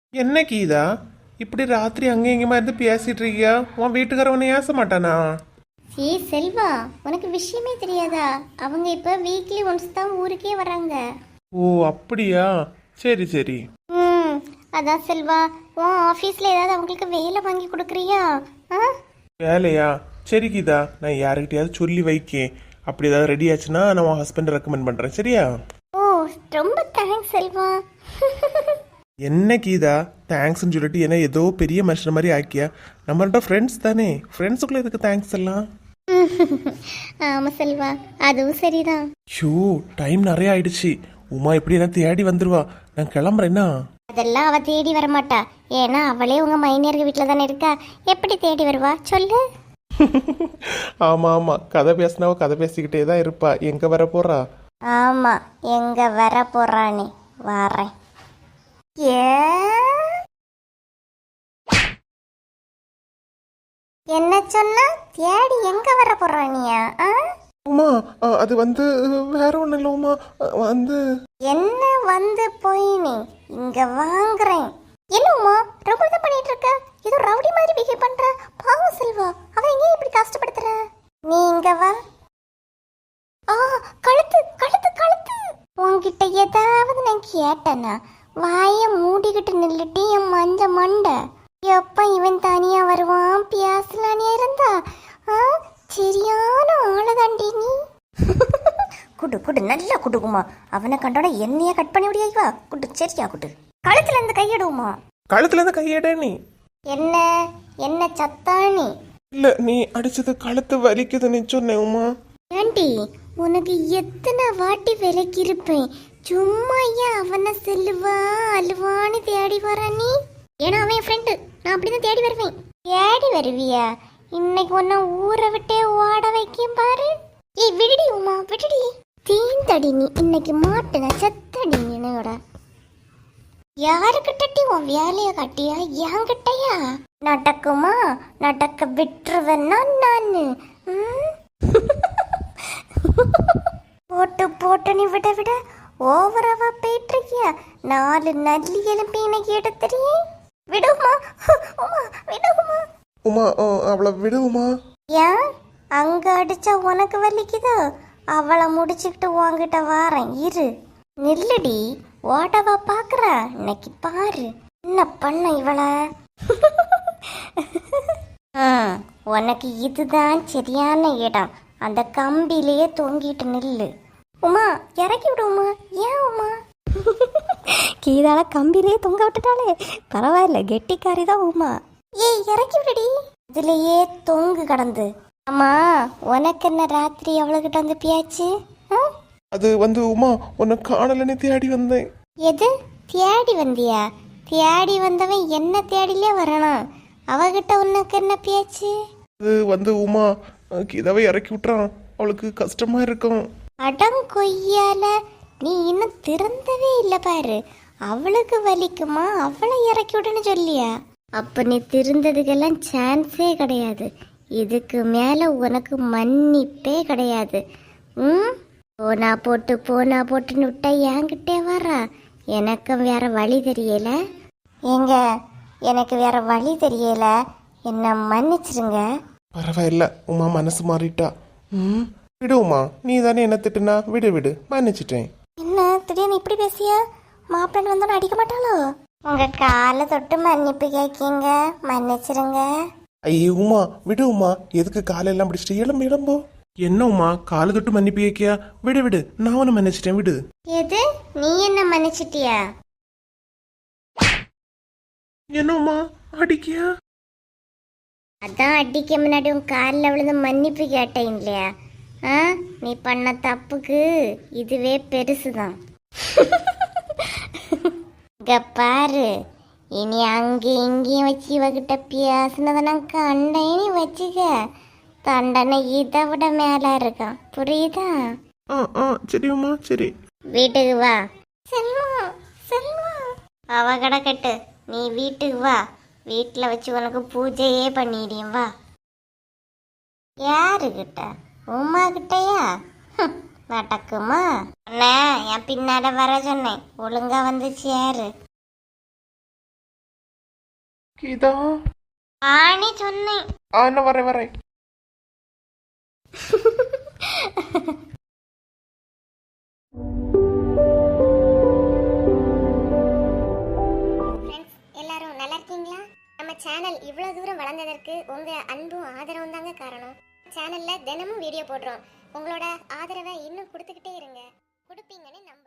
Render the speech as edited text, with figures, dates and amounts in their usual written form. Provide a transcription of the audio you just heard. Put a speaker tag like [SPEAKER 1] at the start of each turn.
[SPEAKER 1] என்ன கீதா, இப்படி ராத்திரி அங்கே இங்கேயுமா இருந்து பேசிட்டு இருக்கியா? உன் வீட்டுக்காரவனை ஏச மாட்டானா?
[SPEAKER 2] செல்வா, உனக்கு விஷயமே தெரியாதா? அவங்க இப்ப வீக்லி ஒன்ஸ் தான் ஊருக்கே வராங்க.
[SPEAKER 1] ஓ அப்படியா, சரி சரி.
[SPEAKER 2] ம். அதான் செல்வா, உன் ஆபீஸ்ல ஏதாவது அவங்களுக்கு வேலை வாங்கி கொடுக்குறியா? ஆ?
[SPEAKER 1] வேலையா? சரி கீதா, நான் யாருக்கிட்டையாவது சொல்லி வைக்கேன். அப்படி ஏதாவது ரெடி ஆச்சுன்னா நான் உன் ஹஸ்பண்ட் ரெக்கமெண்ட் பண்றேன், சரியா?
[SPEAKER 2] ஓ, ரொம்ப தேங்க்ஸ் செல்வா.
[SPEAKER 1] என்ன கீதா தேங்க்ஸ்ன்னு சொல்லிட்டு என்ன ஏதோ பெரிய மனுஷன் மாதிரி ஆக்கியா? நம்மள்ட்ட ஃப்ரெண்ட்ஸ் தானே, ஃப்ரெண்ட்ஸுக்குள்ள எதுக்கு தேங்க்ஸ் எல்லாம்?
[SPEAKER 2] ஆமா செல்வா, அதுவும் சரிதான்.
[SPEAKER 1] ஷூ, டைம் நிறைய ஆயிடுச்சு. உமா எப்படி என்ன தேடி வந்துருவா. நான் கிளம்புறேன்னா.
[SPEAKER 2] அதெல்லாம் அவ தேடி வர மாட்டா. ஏன்னா அவளே உங்க மைனியர்கள் வீட்டுல தானே இருக்கா. எப்படி தேடி வருவா சொல்லு?
[SPEAKER 1] ஆமா ஆமா, கதை பேசினாவோ கதை பேசிக்கிட்டே தான் இருப்பா. எங்க வர போறா?
[SPEAKER 2] ஆமா, எங்க வர போறானே வரேன். ஏ, என்ன சொன்னா? தேடி எங்க வர போறானியா?
[SPEAKER 1] உமா, அது வந்து வேற ஒன்றும் இல்லை உமா. வந்து
[SPEAKER 2] என்ன வந்து போய் நீ இங்க வாங்குறேன். என்ன உமா ரொம்ப தான் பண்ணிட்டு இருக்க? ஏதோ ரவுடி மாதிரி பிஹேவ் பண்ற. பாவம் செல்வா, அவன் எங்க இப்படி கஷ்டப்படுத்துற? நீ இங்க வா. ஆ, கழுத்து கழுத்து கழுத்து. உன்கிட்ட ஏதாவது நான் கேட்டேனா? வாய மூடிக்கிட்டு நில்லுட்டி என் மஞ்ச மண்டை. எப்ப இவன் தனியா வருவான் பியாசலானியா இருந்தா? சரியான ஆளதாண்டி நீ. குடு குடு, நல்லா குடுக்குமா. அவனை கண்டோட என்னைய கட் பண்ணி விடியா? குடு, சரியா குடு. கழுத்துல இருந்து கையிடுமா?
[SPEAKER 1] கழுத்துல இருந்து கையட நீ.
[SPEAKER 2] என்ன என்ன சத்தானி?
[SPEAKER 1] இல்ல, நீ அடிச்சது கழுத்து வலிக்குதுன்னு சொன்னேன் உமா.
[SPEAKER 2] ஆண்டி, உனக்கு எத்தனை வாட்டி விலைக்கு இருப்பேன். சும்மா ஏன் அவனை செல்லுவா அழுவான்னு தேடி வர நீ? ஏன்னா அவன் ஃப்ரெண்டு, நான் அப்படிதான் தேடி வருவேன். தேடி வருவியா? இன்னைக்கு உன்னை ஊரை விட்டே ஓட வைக்கும் பாரு. ஏய் விடுடி உமா, விடுடி. தீந்தடி நீ இன்னைக்கு மாட்டுன செத்தடி என்னோட. யாருக்கிட்டடி உன் வேலைய காட்டியா? என்கிட்டயா? நடக்குமா? நடக்க விட்டுருவேன்னா நானு. போட்டு போட்டு நீ விட விட ஓவராவா போயிட்டு இருக்கியா? 4 நல்லி எலும்பி எனக்கு எடுத்துறியே. விடுமா உமா, விடுமா
[SPEAKER 1] உமா. அவளை விடுமா?
[SPEAKER 2] ஏன் அங்க அடிச்சா உனக்கு வலிக்குதோ? அவளை முடிச்சுக்கிட்டு உன்கிட்ட வாரேன் இரு. நில்லுடி, ஓடவா பாக்குற? இன்னைக்கு பாரு என்ன பண்ண இவள. உனக்கு இதுதான் சரியான இடம். அந்த கம்பிலேயே தொங்கிட்டு நில்லு. உமா இறக்கி விடுமா? ஏன் உமா? கீதால கம்பிலேயே தொங்க விட்டுட்டாலே பரவாயில்ல, கெட்டிக்காரி தான் உமா. ஏய் இறக்கி விடுடி, இதுலயே தொங்கு கடந்து. அம்மா, உனக்கு என்ன ராத்திரி அவளுக்கிட்ட வந்து பியாச்சு?
[SPEAKER 1] அது வந்து உமா, உன்னை காணலன்னு தேடி வந்தேன்.
[SPEAKER 2] எது தேடி வந்தியா? தேடி வந்தவன் என்ன தேடிலே வரணும். அவகிட்ட உனக்கு என்ன பியாச்சு?
[SPEAKER 1] அது வந்து உமா, கீதாவை இறக்கி விட்டுறான். அவளுக்கு கஷ்டமா இருக்கும்.
[SPEAKER 2] அடம் கொய்யால, நீ இன்னும் திறந்தவே இல்லை பாரு. அவளுக்கு வலிக்குமா? அவளை இறக்கி விடுன்னு சொல்லியா? அப்ப நீ திருந்ததுக்கெல்லாம் சான்ஸே கிடையாது. இதுக்கு மேல உனக்கு மன்னிப்பே கிடையாது. போனா போட்டுன்னு விட்டா என்கிட்டே வரா. எனக்கு வேற வழி தெரியல. ஏங்க, எனக்கு வேற வழி தெரியல, என்ன மன்னிச்சிருங்க.
[SPEAKER 1] பரவாயில்ல உமா, மனசு மாறிட்டா. விடு உமா, நீ தானே என்ன திட்டுனா. விடு விடு, மன்னிச்சிட்டேன்.
[SPEAKER 2] என்ன திடீர்னு இப்படி பேசியா? மாப்பிள்ளை வந்தோன்னு அடிக்க மாட்டாளோ? உங்க காலை தொட்டு மன்னிப்பு கேட்கீங்க, மன்னிச்சிருங்க.
[SPEAKER 1] ஐயே உமா, விடு உமா. எதுக்கு காலெல்லாம் பிடிச்சிட்டு எலும்பு எலும்போ? என்ன உமா, காலை தொட்டு மன்னிப்பு கேக்கியா? விடு விடு, நான் உன்னை மன்னிச்சிட்டேன், விடு.
[SPEAKER 2] எது, நீ என்ன மன்னிச்சிட்டியா?
[SPEAKER 1] என்ன உமா அடிக்கியா?
[SPEAKER 2] அதான் அடிக்க முன்னாடி உன் காலில் விழுந்து மன்னிப்பு கேட்டேன் இல்லையா? நீ பண்ண தப்புக்கு இதுவே பெருசுதான். இங்க பாரு, இனி அங்கேயும் இங்கேயும் வச்சு இவகிட்ட பேசினதை நான் கண்டேன்னு வச்சுக்க, தண்டனை இதை விட மேல இருக்கான், புரியுதா?
[SPEAKER 1] சரி உமா, சரி.
[SPEAKER 2] வீட்டுக்கு வா. செல்வா செல்வா, அவ கிடக்கட்டு, நீ வீட்டுக்கு வா. வீட்டில் வச்சு உனக்கு பூஜையே பண்ணிடுறேன், வா. யாருக்கிட்ட? உமா கிட்டயா? நடக்குமா? அண்ணா, என் பின்னால வர சொன்னேன், ஒழுங்கா வந்து சேரு.
[SPEAKER 1] கீதா
[SPEAKER 2] ஆனே சொன்னேன்.
[SPEAKER 1] என்ன வரேன் வரேன்.
[SPEAKER 2] எல்லாரும் நல்லா இருக்கீங்களா? நம்ம சேனல் இவ்வளவு தூரம் வளர்ந்ததற்கு உங்க அன்பும் ஆதரவும் தாங்க காரணம். சேனல்ல தினமும் வீடியோ போடுறோம். உங்களோட ஆதரவை இன்னும் கொடுத்துக்கிட்டே இருங்க. கொடுப்பீங்கன்னு